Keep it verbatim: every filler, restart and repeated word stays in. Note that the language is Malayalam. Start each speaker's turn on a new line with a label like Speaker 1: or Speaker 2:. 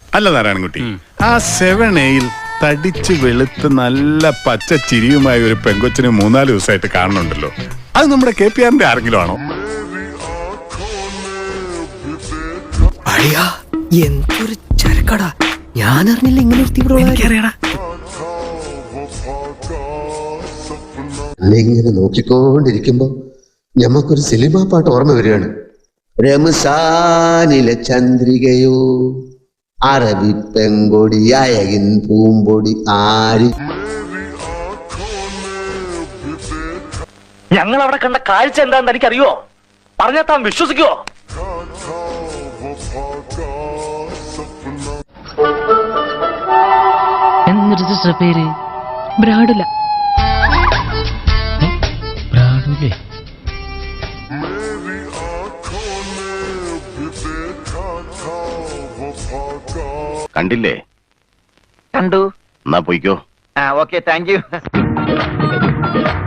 Speaker 1: അല്ല നാരായണൻകുട്ടി, ആ സെവൻ എയിൽ തടിച്ച് വെളുത്ത് നല്ല പച്ച ചിരിയുമായ ഒരു പെങ്കൊച്ചിന് മൂന്നാല് ദിവസമായിട്ട് കാണുന്നുണ്ടല്ലോ. അത് നമ്മുടെ കെ പി ആറിന്റെ ആരെങ്കിലും ആണോ?
Speaker 2: എന്തൊരു ചരക്കടാ, ഞാൻ അറിഞ്ഞില്ല ഇങ്ങനെ
Speaker 3: ഇങ്ങനെ നോക്കിക്കൊണ്ടിരിക്കുമ്പോ ഞമ്മക്കൊരു സിനിമാ പാട്ട് ഓർമ്മ വരികയാണ്. രമസാനിലെ ചന്ദ്രികയോ അറബി പെങ്കൊടി അയകിൻ പൂമ്പൊടി ആരി.
Speaker 4: ഞങ്ങൾ അവിടെ കണ്ട കാഴ്ച എന്താണെന്ന് എനിക്കറിയോ? പറഞ്ഞാൽ താൻ വിശ്വസിക്കുവോ?
Speaker 5: എന്നിട്ട് പേര്
Speaker 6: ബ്രാഡുല.
Speaker 5: ബ്രാഡുലേ?
Speaker 7: കണ്ടില്ലേ?
Speaker 4: കണ്ടു.
Speaker 7: എന്നാ പോയിക്കോ.
Speaker 4: ആ ഓക്കെ, താങ്ക് യു.